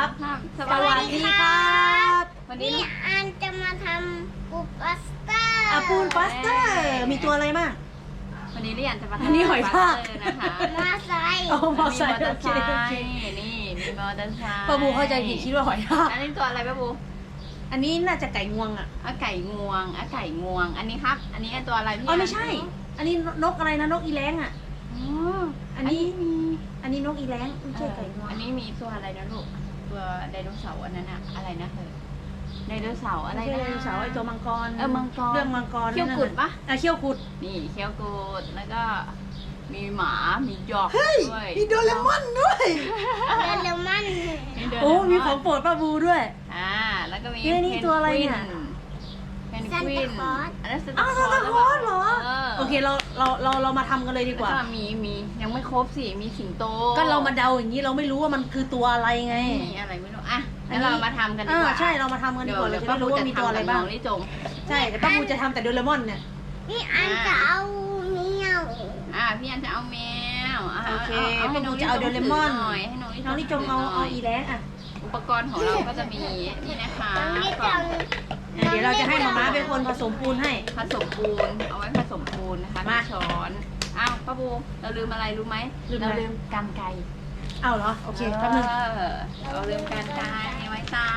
ครับสวัสดีครับวันนี้อันจะมาทำปูปัสเตอร์ปูนปัสเตอร์มีตัวอะไรบ้างวันนี้เรียนจะมาอันนี้หอยทากนะคะมาใส่เอามอมีไซมอค์เตอโอร์เคไซโอเคค์นี่มีมอเตอร์ไซค์ป้าบูเข้าใจผิดคิดว่าหอยทากอันนี้ตัวอะไรป้าบูอันนี้น่าจะไก่งวงอ่ะไก่งวงไก่งวง อันนี้ครับ อันนี้ตัวอะไรพี่อ๋อไม่ใช่ อันนี้นกอะไรนะนกอีแร้งอ่ะอ๋ออันนี้อันนี้นกอีแร้งไม่ใช่ไก่งวงอันนี้มีตัวอะไรนะลูกตัวไดโนเสาร์อันนั้นอะอะไรนะเธอไดโนเสาร์อะไรไม่ใช่นะไดโนเสาร์ไอตัวมังกรมังกรเรื่องมังกรเขี้ยวกุดปะเขี้ยวกุดนี่เคี้ยวกูดแล้วก็มีหมามีหยอกเฮ้ยด้วยมีโดเรมอนด้วยเดลมันโดเรมนโอ้มีของโปรดป้าบูด้วยแล้วก็มีนี่ตัวอะไรเนี่ยเพนกวินอันนั้นอ้าวซานตาคลอสเหรอโอเคเรามาทำกันเลยดีกว่าแล้วก็มียังไม่ครบสิมีสิงโตก็เรามาเดาอย่างนี้เราไม่รู้ว่ามันคือตัวอะไรไงมีอะไรไม่รู้อ่ะแล้วเรามาทำกันดีกว่าใช่เรามาทำกันดีกว่าเราจะได้รู้ว่ามีตัวอะไรบ้างนี่จงใช่แต่ป้าบูจะทำแต่โดเรมอนเนี่ยนี่อันจะเอาเมียวพี่อันจะเอาแมวโอเคให้ป้าน้บูองจะเอาโดเรมอนหน่อยให้น้องน้องนี่จงเอาอีแร้งอ่ะอุปกรณ์ของเราก็จะมีนี่นะคะน้องนี่จะเดี๋ยวเราจะให้มาม่าเป็นคนผสมปูนให้ผสมปูนเอาไว้ผสมปูนนะคะมาช้อนอ้าวป้าบูเราลืมอะไรรู้ไหมลืมอะไรเราลืมกรรไกรเอาเหรอโอเคแป๊บนึงเราลืมกรรไกรไว้ตาก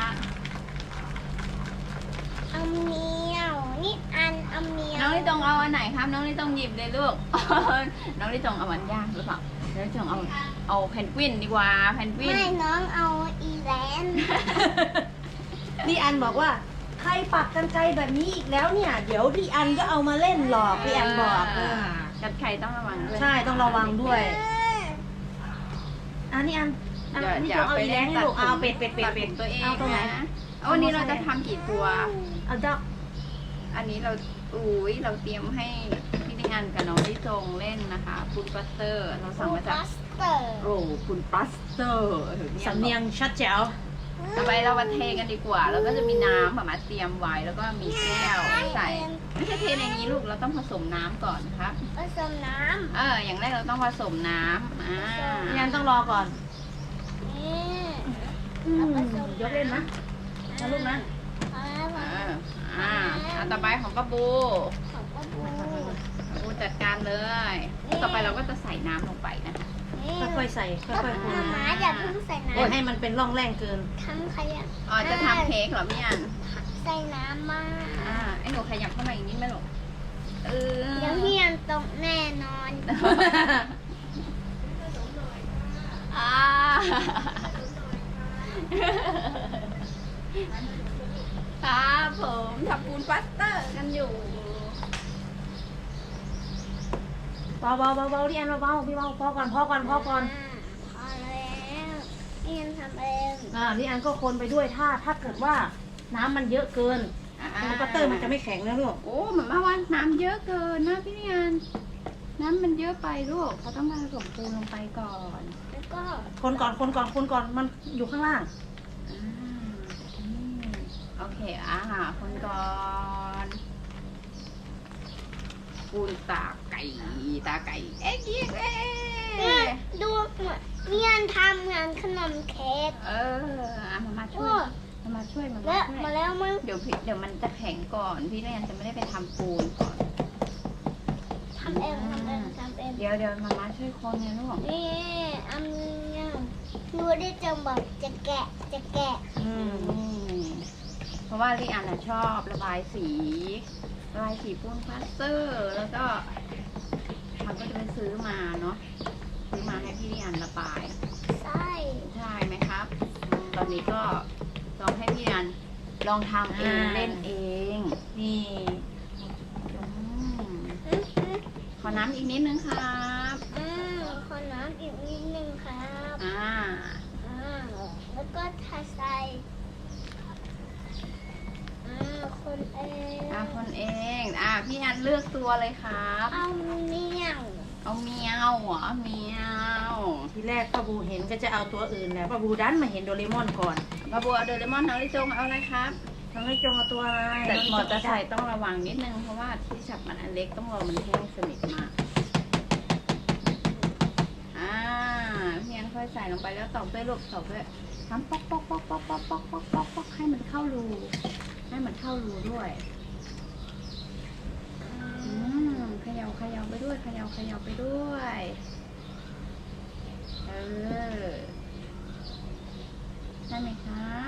เอาเมียวนี่อันเอาเมียวน้องนี่ตรงเอาอันไหนครับ น้องนี่ต้องหยิบเลยลูก น้องนี่ตรงเอาอันยากหรือเปล่าน้องนี่ตรงเอาเพนกวินดีกว่าเพนกวินไม่น้องเอาอีแลนนี่อันบอกว่าใครปักกันไกลแบบนี้อีกแล้วเนี่ย เดี๋ยวพี่อันก็เอามาเล่นหลอกพี่อันบอกกรรไกรต้องระวังด้วยใช่ต้องระวังด้วยอันนี้อันนี่จงเอาอีแร้งให้ลูกเอาเป็ดตัดตัวเองเอาตรงไหนนะเอาวันนี้เราจะทำกี่ตัวเอาเจ้าอันนี้เราเราเตรียมให้พี่นิอันกับน้องที่จงเล่นนะคะปูนปัสเตอร์เราสั่งมาจากปัสเตอร์ปูนปัสเตอร์สำเนียงชัดแจ๋วต่อไปเรามาเทกันดีกว่า แล้วก็จะมีน้ำแบบมาเตรียมไว้แล้วก็มีแก้วใส่ไม่ใช่เทในนี้ลูกเราต้องผสมน้ำก่อนครับผสมน้อย่างแรกเราต้องผสมน้ำพี่อันต้องรอก่อนำนี่ยกเล่นนะนะลูกนะต่อไปของป้าบูของป้าบูป้าบูจัดการเลย ต่อไปเราก็จะใส่น้ำลงไปนะคะค่อยๆใส่ค่อยๆคนหมาอย่าเพิ่งใส่น้อย่าให้มันเป็นร่องแรงเกินำทำขยะจะทำเค้กเหรอพี่อันใส่น้ำมาไอ้หนูขยับเข้ามาอีกนิดไหมลูกเดี๋ยวพี่ยังตกแน่นอนครับผมทำปูนปัสเตอร์กันอยู่เบาที่อันเบาพี่เบาพอก่อนพอแล้วพี่ยังทำเองนี่อันก็คนไปด้วยถ้าเกิดว่าน้ำมันเยอะเกินปัตเตอร์มันจะไม่แข็งนะลูกโอ้เหมือนว่าน้ำเยอะเกินนะพี่นิอันน้ำมันเยอะไปลูกเขาต้องมาผสมปูนลงไปก่อนแล้วก็คนก่อนมันอยู่ข้างล่างโอเคคนก่อนปูนตาไก่เอ๊ะดูพี่ยังทำงานขนมเค้กมาช่วยมาช่วยมาแล้วมึงเดี๋ยวมันจะแข็งก่อนพี่นิอันจะไม่ได้ไปทำปูนก่อนทำเองเดี๋ยวมาช่วยคนเนี่ยลูกนี่อันนี้ดูได้จังบอกจะแกะเพราะว่าลิอันชอบระบายสีปูนพลาสเตอร์ แล้วก็มันก็จะไปซื้อมาเนาะซื้อมาให้พี่ลิอันระบายใช่ใช่ไหมครับ ตอนนี้ก็ลองให้พี่ลิอันลองทำเองเล่นเองนี่ขอน้ำอีกนิดนึงครับขอน้ำอีกนิดนึงครับ แล้วก็ทาใส่คนเองคนเองพี่อันเลือกตัวเลยครับเอาเมียวเอาเมียวเหรอเมียวทีแรกป้าบูเห็นก็จะเอาตัวอื่นแหละป้าบูดันมาเห็นโดเรมอนก่อนบาบัวโดเรมอนน้องลิจงเอาอะไรครับน้องไม่จงเอาตัวอะไรแต่มอเตอร์ไซค์ต้องระวังนิดนึงเพราะว่าที่จับมันอันเล็กต้องรอมันแห้งสนิทมากพี่อันค่อยๆใส่ลงไปแล้วตอกด้วยลูกตอกด้วยทำป๊อกป๊อกป๊อกป๊อกป๊อกป๊อกป๊อกป๊อกป๊อกให้มันเข้ารูให้มันเข้ารูด้วยเขย่าเขย่าไปด้วยเขย่าเขย่าไปด้วยได้ไหมครับ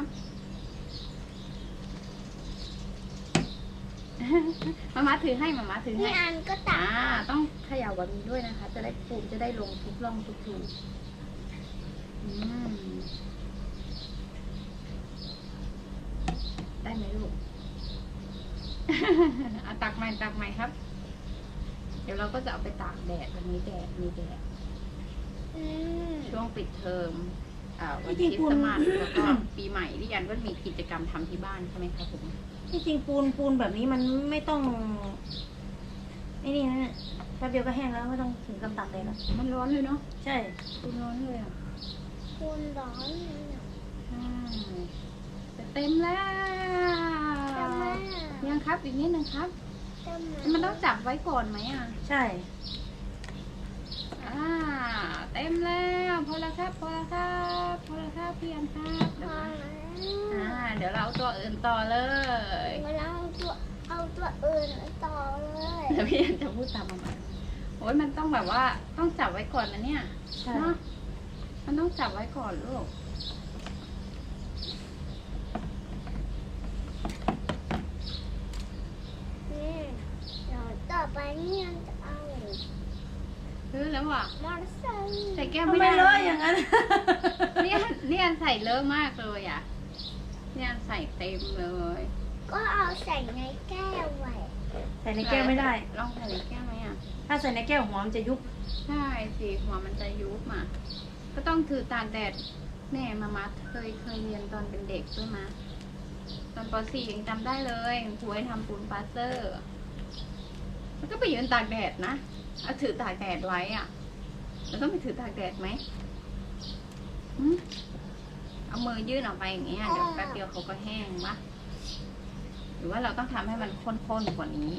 มาถือให้มาถือให้พี่อันก็ตักต้องเขย่าแบบนี้ด้วยนะคะ จะได้ปูนจะได้ลงทุกร่องทุกรูได้ไหมลูก ตักใหม่ครับ เดี๋ยวเราก็จะเอาไปตากแดดวันนี้แดดมีแดดช่วงปิดเทอมวันคริสต์มาสแล้วก็ปีใหม่ที่ยันก็มีกิจกรรมทำที่บ้านใช่ไหมครับผมที่จริงปูนแบบนี้มันไม่ต้องไอ้นี่นะแป๊บเดียวก็แห้งแล้วไม่ต้องถึงกับตากแดดแล้วมันร้อนเลยเนาะใช่ปูนร้อนเลยอ่ะคุณร้อนเลยอะใช่จะเต็มแล้วทำไมยังครับอีกนิดนึงครับทำไมมันต้องจับไว้ก่อนไหมอ่ะใช่เต็มแล้วพอแล้วครับพี่อันครับพอแล้วเดี๋ยวเราเอาตัวอื่นต่อเลยเราเอาตัวอื่นต่อเลยเดี๋ยวพี่อันจะพูดตามมาใหม่โอ้ยมันต้องแบบว่าต้องจับไว้ก่อนนะเนี่ยใช่เนาะมันต้องจับไว้ก่อนลูกนี่เดี๋ยวต่อไปนี่จะเอาซื้อแล้วอ่ะมอเตอร์ไซค์ใส่แก้วทำไม่ไมได้เลอะอย่างนั้นเนี่ยใส่เลอะมากเลยอ่ะเนี่ยใส่เต็มเลยก็เอาใส่ในแก้วไว้ใส่ในแก้วไม่ได้ลองใส่ในแก้วไหมอ่ะถ้าใส่ในแก้วหัวมันจะยุบใช่สิหัวมันจะยุบอ่ะก็ต้องถือตากแดดแม่มาเคยเรียนตอนเป็นเด็กด้วยมาตอนป .4 ยังจำได้เลยครูให้ทำปูนปาสเตอร์แล้วก็ไปยืนตากแดดนะเอาถือตากแดดไว้อ่ะแล้วต้องไปถือตากแดดไหมเอามือยื่นออกไปอย่างเงี้ยเดี๋ยวแป๊บเดียวเขาก็แห้งปะหรือว่าเราต้องทำให้มันข้นๆกว่านี้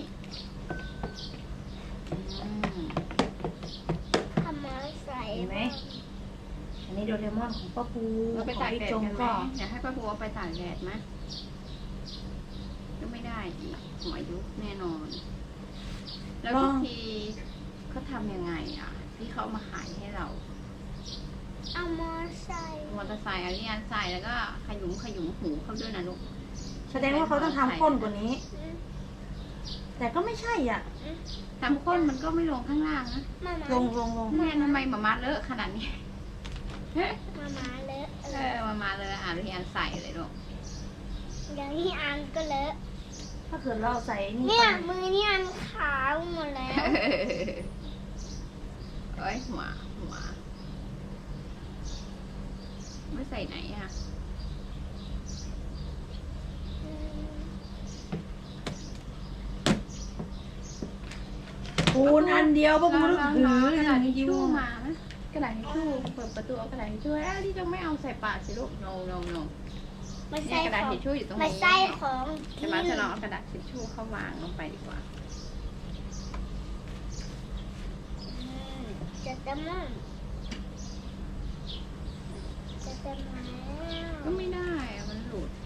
ทำมาใส่เห็นไหม อันนี้โดเรมอนของป้าปูเราไปของตากพี่แดดจงกันไหมก็อยากให้ป้าบัวไปตากแดดไหมก็ไม่ได้อีกหัวยุบแน่นอน แล้ววิธีเขาทำยังไงอ่ะ ที่เขามาขายให้เราเอามอเตอร์ไซค์มอเตอร์ไซค์อาริยานใส่แล้วก็ขยุมหูเขาด้วยนะลูกแสดงว่าเขาต้องทำข้นกว่านี้ แต่ก็ไม่ใช่อ่ะทำข้นมันก็ไม่ลงข้างล่างนะมามาลงแม่ทำไมหมาเลอะขนาดนี้มาเลอะมาเลยอาริยานใส่เลยลูกอย่างนี้อันก็เลอะถ้าเกิดเราเอาใส่นี่เนี่ยไปมือนี่อันขาวหมดแล้วเอ้ยหัวไม่ใส่ไหนอ่ะปูนอันเดียวป้าปูต้องถือกระอดาษย่างทินี้ชยิ้วชู่มานะกระดาษทิชชู่เปิดประตูเอากระดาษทิชชู่ที่จะไม่เอาใส่ปากสิลูก no ไม่เนี่ใช่ยกระดาษของทิชชู่อยู่ตรงไม่นี้ใช่ของใช่ไหมจะลองเอากระดาษทิชชู่เข้าวางลงไปดีกว่าจะเต็มแล้วจะเต็มแล้วก็ไม่ได้อะมันหลุด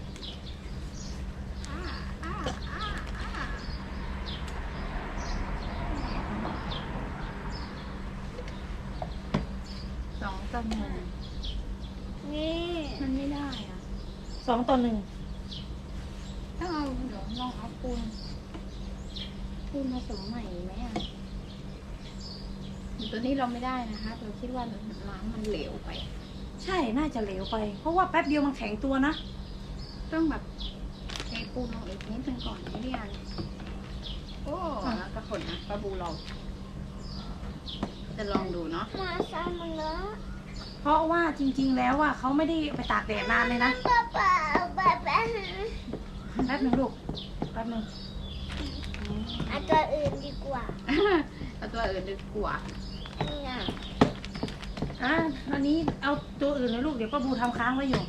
2 ต่อ 1 นี่มันไม่ได้อ่ะ 2 ต่อ 1 ต้องเอาเดี๋ยวลองเอาปูนผสมใหม่ไหมอ่ะตัวนี้เราไม่ได้นะคะเราคิดว่าน้ำมันเหลวไปใช่น่าจะเหลวไป เพราะว่าแป๊บเดียวมันแข็งตัวนะต้องแบบเทปูนลงอีกนิดนึงก่อนไม่เรียนโอ้แล้วก็คนนะปลาบูลองจะลองดูเนาะมาซ้ำมันเลอะเพราะว่าจริงๆแล้วว่าเขาไม่ได้ไปตากแดดนานเลยนะเปล่าแบบแป๊บนึงลูก แป๊บนึงเอาตัวอื่นดีกว่าเอาตัวอื่นดีกว่าเนี่ยอันนี้เอาตัวอื่นเลยลูก เดี๋ยวป้าบูทำค้างไว้อยู่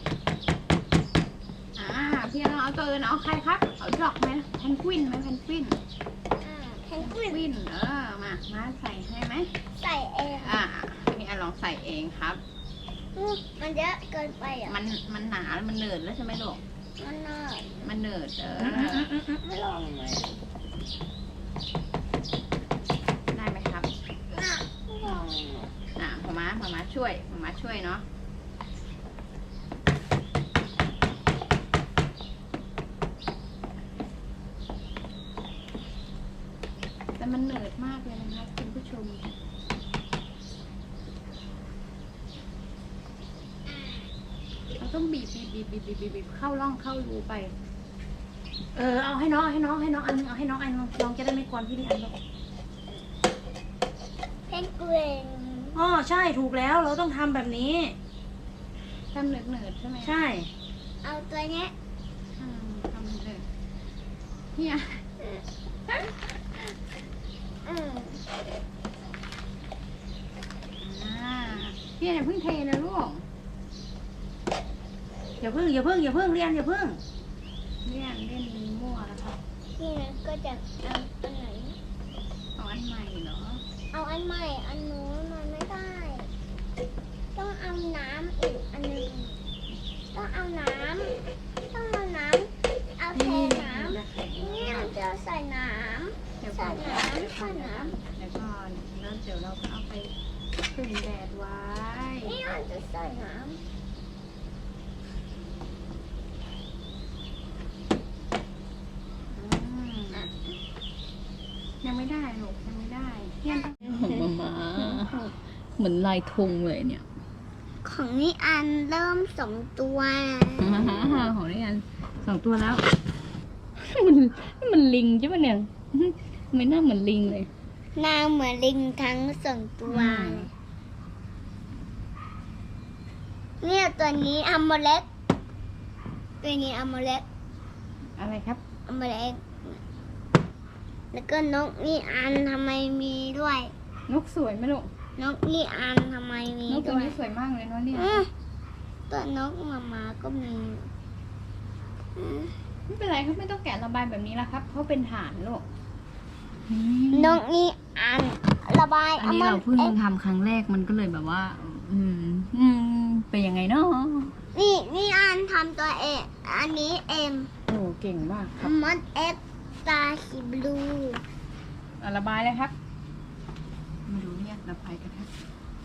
พี่เราเอาตัวอื่นเอาใครครับเอาดอกไหมแพนกวินไหมแพนกวินแพนกวินวินมาใส่ให้ไหมใส่เองพี่ลองใส่เองครับมันเยอะเกินไปอ่ะมันหนามันเหนิร์ดแล้วใช่ไหมลูกมันน่ามันเหนิร์ดไม่ลองเลยได้ไหมครับไม่ลองเลยมามาช่วยเนาะแต่มันเหนิร์ดมากเลยนะครับคุณผู้ชมเราต้องบีบเข้าร่องเข้ารูไปเอาให้น้องอันนึงเอาให้น้องอันนึงน้องจะได้ไม่กวนพี่ลีอันหรอกเพนกวินอ๋อใช่ถูกแล้วเราต้องทำแบบนี้ทำเหนิร์ดใช่ไหมใช่เอาตัวเนี้ยทำเหนิร์ดเนี่ยอืมพี่อย่าเพิ่งเทนะลูกอย่าเพิ่งเรียนอย่าเพิ่งเล่นมั่วแล้วครับนี่นะก็จะเอาอันไหนเอาอันใหม่เหรอเอาอันใหม่ อันนู้นมันไม่ได้ ต้องเอาน้ำอีกอันหนึงต้องเอาน้ำเอาเทน้ำเนี่ยจะใส่น้เดี๋ยวำก่ใส่อนน้ำใส่น้เดี๋ยวก่อนแล้วเดี๋ยวเราก็เอาไปพึ่งแดดไว้ำนี่เราจะใส่น้ยังไม่ได้ลูกยังไม่ได้เนี่ยของมาเหมือนลายธงเลยเนี่ยำของนี่อันเริ่ม2 ตัวของนี่กัน2 ตัวแล้ว มันลิงใช่ปะเนี่ยไม่น่าเหมือนลิงเลยหน้าเหมือนลิงทั้ง2 ตัวเลยเนี่ยตัวนี้อัมโมเล็กตัวนี้อัมโมเล็กอะไรครับอัมโมเล็กแล้วก็นกนี่อันทำไมมีด้วยนกสวยไหมลูกนกนี่อันทำไมมีนกตัวด้วยนี้สวยมากเลยเนาะเนี่ยตัวนกมาก็มีอืมไม่เป็นไรครับไม่ต้องแกะระบายแบบนี้แล้วครับเพราะเป็นฐานลูกนกนี่อันระบายอันนี้เราเพิ่งอ๊ะทำครั้งแรกมันก็เลยแบบว่า เป็นยังไงเนาะนี่อันทำตัวเองอันนี้เอ็มโอ้เก่งมากครับมดเอ็กตาสีบลูระบายเลยครับ มาดูเนี่ยระบายกันครับ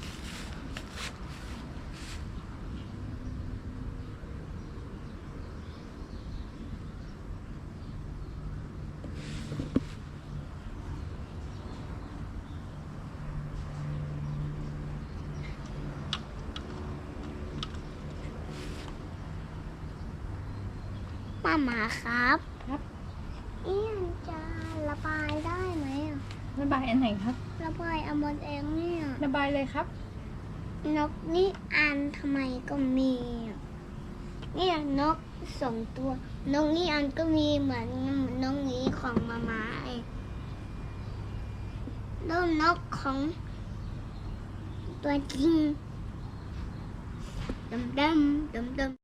ป้าหมาครับครับนี่จะระบายได้ไหมอะระบายอันไหนครับระบายเอาหมดเองเนี่ยระบายเลยครับนกนี่อันทำไมก็มีอะเนี่ยนก2 ตัวนกนี่อันก็มีเหมือนนกนี้ของมาเองแล้วนกของตัวจริงดำ